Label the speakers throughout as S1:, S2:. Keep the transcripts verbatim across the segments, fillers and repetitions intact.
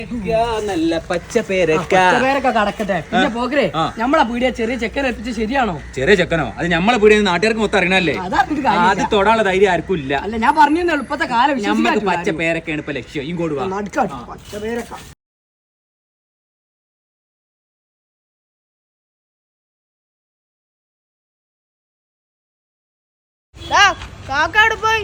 S1: നല്ല പച്ചപ്പേരക്ക
S2: കടക്കട്ടെ. പിന്നെ പോകരെ നമ്മളെ പീടിയ ചെറിയ ചെക്കൻ എത്തിച്ച് ശരിയാണോ?
S1: ചെറിയ ചെക്കനോ? അത് നമ്മളെ പീടിയ നാട്ടുകാർക്ക് മൊത്തം അറിയണല്ലേ. അത് തൊടാനുള്ള ധൈര്യം ആർക്കും ഇല്ല.
S2: അല്ല ഞാൻ പറഞ്ഞു എളുപ്പത്തെ കാലം
S1: നമ്മക്ക് പച്ചപ്പേരക്കാണ് ഇപ്പൊ ലക്ഷ്യം. ഇങ്ങോട്ട് വാ.
S2: പച്ചപ്പേരക്ക
S3: കാക്കാട് പോയി.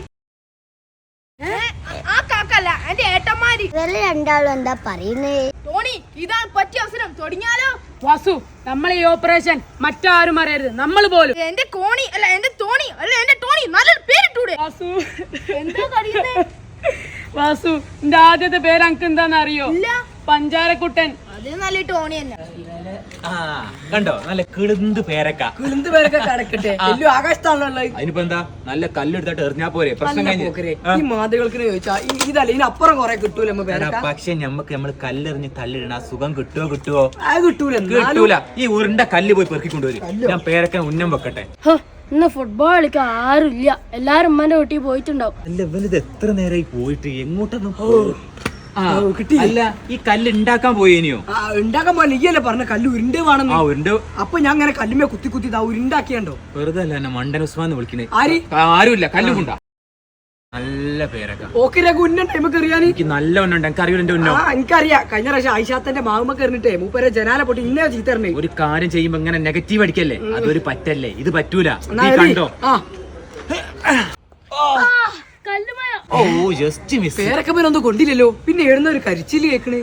S3: ആ കാക്കല്ല എന്റെ ഏട്ടന്മാര്
S4: രണ്ടാളും എന്താ പറയുന്നേ?
S3: ടോണി ഇതാണ് പറ്റിയ അവസരം, തുടങ്ങിയാലോ?
S2: വാസു, നമ്മളെ ഈ ഓപ്പറേഷൻ മറ്റാരും അറിയരുത്, നമ്മൾ പോലും.
S3: എന്റെ കോണി അല്ല എന്റെ തോണി അല്ല എന്റെ ടോണി, നല്ലൊരു പേരിട്ടൂടെ?
S2: വാസു
S3: എന്താ കഴിയുന്നേ?
S2: വാസു, എന്റെ ആദ്യത്തെ പേര് അനക്ക് എന്താന്ന് അറിയോ?
S3: ഇല്ല.
S2: പഞ്ചാരക്കുട്ടൻ.
S3: അത് നല്ല ടോണി തന്നെ.
S1: ആ കണ്ടോ, നല്ല കിളുന്ത് പേരക്ക.
S2: കിളുന്ത് പേരൊക്കെ കടക്കട്ടെ. വലിയ ആകാശത്താണല്ലോ.
S1: അതിനിപ്പോ എന്താ, നല്ല കല്ലെടുത്തിട്ട് എറിഞ്ഞാ പോരെ, പ്രശ്നം കഴിഞ്ഞു.
S2: ഈ മാതൃകൾക്ക് ചോദിച്ചാ ഇതല്ല, ഇതിനപ്പുറം കൊറേ കിട്ടൂല.
S1: പക്ഷെ നമ്മക്ക് നമ്മള് കല്ലെറിഞ്ഞ് തല്ലിടണ ആ സുഖം കിട്ടുവോ കിട്ടുവോ?
S2: അത് കിട്ടൂല.
S1: കിട്ടൂല. ഈ ഉരുണ്ട കല്ല് പോയി പെറുക്കിക്കൊണ്ടുവരും. ഞാൻ പേരക്ക ഉന്നം വെക്കട്ടെ.
S5: ഇന്ന് ഫുട്ബോൾ കളിക്കാൻ ആരുമില്ല, എല്ലാരും ഉമ്മന്റെ വീട്ടിൽ പോയിട്ടുണ്ടാവും.
S1: അല്ല ഇവനിത് എത്ര നേരമായി പോയിട്ട് എങ്ങോട്ടൊന്നും അല്ല, ഈ കല്ല് ഉണ്ടാക്കാൻ പോയേനിയോ?
S2: ഉണ്ടാക്കാൻ പോലെ നീയല്ലേ പറഞ്ഞ കല്ല് ഉരുണ്ട് വേണം.
S1: ആ ഉരുണ്ട്.
S2: അപ്പൊ ഞാൻ അങ്ങനെ കല്ലുമേ കുത്തി കുത്തി ഉരുണ്ടാക്കിയണ്ടോ?
S1: വെറുതെ അല്ല എന്നെ മണ്ടൻ ഉസ്മാൻ വിളിക്കണേ.
S2: ആര്?
S1: ആരുമില്ല, കല്ലുകൊണ്ടാ. നല്ല പേരക്ക.
S2: ഓക്കിരൊക്കെ ഉന്നം ടൈമൊക്കെ അറിയാൻ
S1: എനിക്ക് നല്ല ഉന്നുണ്ട്. എനിക്ക് അറിയില്ല എന്റെ ഉന്നോ.
S2: ആ എനിക്കറിയാം. കഴിഞ്ഞ പ്രാവശ്യം ആയിഷാത്തന്റെ മാവുമൊക്കെ എറിഞ്ഞിട്ടേ മൂപ്പരെ ജനാല പൊട്ടി ഇന്നേ ചീത്തറിഞ്ഞേ.
S1: ഒരു കാര്യം ചെയ്യുമ്പോ ഇങ്ങനെ നെഗറ്റീവ് അടിക്കല്ലേ, അതൊരു പറ്റല്ലേ. ഇത് പറ്റൂല. കണ്ടോ? ഓ ജസ്റ്റ് മിസ്.
S2: പേരൊക്കെ ഒന്നും കൊണ്ടില്ലല്ലോ. പിന്നെ എഴുന്ന ഒരു കരിച്ചില് കേക്കണേ.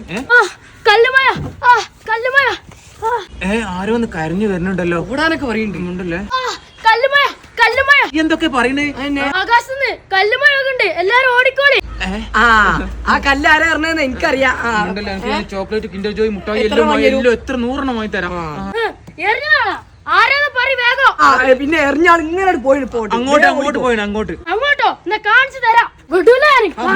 S1: ഏ ആരോ ഒന്ന് കരഞ്ഞു വരുന്നുണ്ടല്ലോ.
S2: ഓടാനൊക്കെ പറയുന്നുണ്ടല്ലേ.
S1: എന്തൊക്കെ പറയണേ?
S5: ആകാശത്ത് കല്ലുമഴകുണ്ട്, എല്ലാരും ഓടിക്കോളി.
S2: ആ ആ കല്ല് ആരാ പറഞ്ഞതെന്ന് എനിക്കറിയാം.
S1: ചോക്ലേറ്റ് കിൻഡർ ജോയ് മുട്ടായി എല്ലാം എത്ര നൂറെണ്ണം വാങ്ങി തരാം.
S2: പിന്നെ എറിഞ്ഞാൾ ഇങ്ങനെ പോയി
S1: അങ്ങോട്ട് അങ്ങോട്ട് പോയി അങ്ങോട്ട്
S5: അങ്ങോട്ടോ എന്നാ കാണിച്ചു തരാം. വിടൂല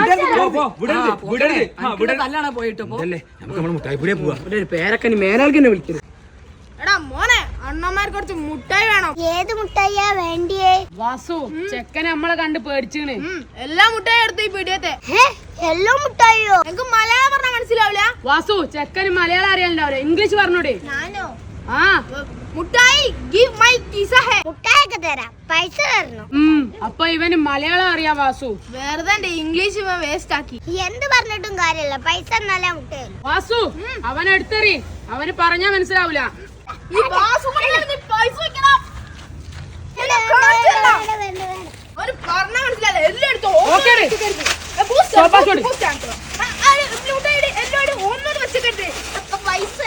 S2: നല്ലാണ് പോയിട്ടോ.
S1: നമുക്ക് മുട്ടായി പൊടിയെ പോവാ.
S2: പേരക്കനി മേനാൾക്കെന്നെ വിളിക്കുന്നത്.
S3: എടാ മോനെ, അണ്ണന്മാർക്ക് കുറച്ച് മുട്ടായി വേണം.
S4: ഏത് മുട്ടായിയാ വേണ്ടിയേ?
S2: വാസു, ചെക്കനെ നമ്മളെ കണ്ട് പേടിച്ചിണ്.
S3: എല്ലാ മുട്ടായി എടുത്തു ഈ പീടിയത്തെ.
S4: എല്ലോ മുട്ടായിയോ?
S3: എനിക്ക് മലയാളം പറഞ്ഞാൽ മനസ്സിലാവില്ല.
S2: വാസു, ചെക്കന് മലയാളം അറിയാനുണ്ടാവില്ല, ഇംഗ്ലീഷ് പറഞ്ഞൂടെ?
S3: ഞാനോ?
S2: ആ
S3: മുട്ടായി ഗിവ് മൈ കിസ ഹേ.
S4: മുട്ടായൊക്കെ തരാം, പൈസ തരണം.
S2: ഉം അപ്പൊ ഇവന് മലയാളം അറിയാം. വാസു
S3: വെറുതെ എന്റെ ഇംഗ്ലീഷ് വേസ്റ്റ് ആക്കി.
S4: എന്ത് പറഞ്ഞിട്ടും കാര്യമില്ല, പൈസ നല്ല മുട്ടയും.
S2: വാസു, അവനെടുത്തെറി, അവന് പറഞ്ഞാ മനസ്സിലാവൂല.
S3: ഈ വാസു കൊണ്ടാണ് നീ പൈസ വെക്കണം. എന്നെ കാണിച്ചു തരാം. ഒരു പറഞ്ഞാ മനസ്സിലാവില്ല. എല്ലാം എടുത്തോ.
S2: ഓക്കേ ഡേ.
S3: ബൂസ്റ്റ്
S2: സോപ്പാ ചോടി.
S3: ബൂസ്റ്റ് ആണോ? ആ മുട്ടായി എല്ലാം ഒന്നോട് വെച്ചിട്ട് പൈസ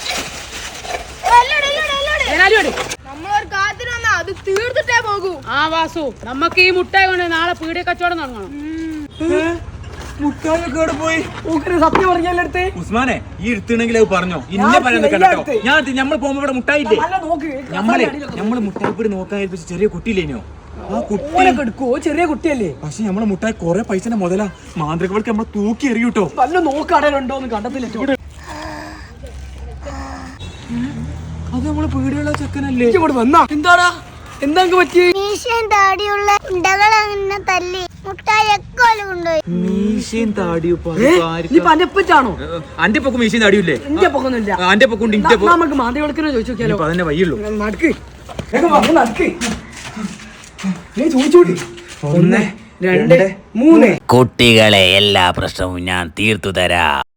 S3: നമ്മളൊരു കാത്തിന് വന്നാ അത് തീർത്തിട്ടേ പോകൂ.
S2: ആ വാസു, നമുക്ക് ഈ മുട്ടായി കൊണ്ട് നാളെ പീടിയ കച്ചവടം തുടങ്ങണം.
S1: മുട്ടായി പോയി.
S2: സത്യം പറഞ്ഞാൽ
S1: ഉസ്മാനെ, ഈ എടുത്തിണെങ്കിൽ അത് പറഞ്ഞോ. ഇന്നെ പറയാൻ കേട്ടോ. ഞാൻ നമ്മൾ പോകുമ്പോ ഇവിടെ മുട്ടായില്ലേ? നമ്മളെ നമ്മള് മുട്ടായി പൊടി നോക്കാൻ ഏൽപ്പിച്ച ചെറിയ കുട്ടിയില്ലേനോ? ആ കുട്ടി
S2: എടുക്കുവോ? ചെറിയ കുട്ടിയല്ലേ?
S1: പക്ഷെ നമ്മളെ മുട്ടായി കൊറേ പൈസ മുതലാ. മാന്ത്രികൾക്ക് നമ്മളെ തൂക്കി എറിയൂട്ടോ.
S2: നല്ല നോക്കാടലുണ്ടോ എന്ന് കണ്ടത്തില്ല.
S1: അത് നമ്മള് പീടിയുള്ള ചെക്കനല്ലേ?
S2: വന്നാ എന്താടാ എന്താ പറ്റി?
S4: മീശയും താടിയുള്ള ഉണ്ടകൾ അങ്ങനെ തല്ലി മുട്ടായി എക്കോല് കൊണ്ടുപോയി.
S1: മീശയും താടിയോ?
S2: പനപ്പറ്റാണോ?
S1: അന്റെ പൊക്കും മീശയും താടിയില്ലേ?
S2: എന്റെ പൊക്കൊന്നുമില്ല.
S1: അന്റെ പൊക്കുണ്ട്.
S2: നമുക്ക് മാന്തികൾക്കിനെ ചോദിച്ചു നോക്കിയാലോ?
S1: അതന്നെ വയ്യുള്ളൂ.
S2: നടക്ക് നടക്ക്. ചോദിച്ചോടി. ഒന്ന് രണ്ട് മൂന്ന്.
S6: കുട്ടികളെ എല്ലാ പ്രശ്നവും ഞാൻ തീർത്തു തരാം.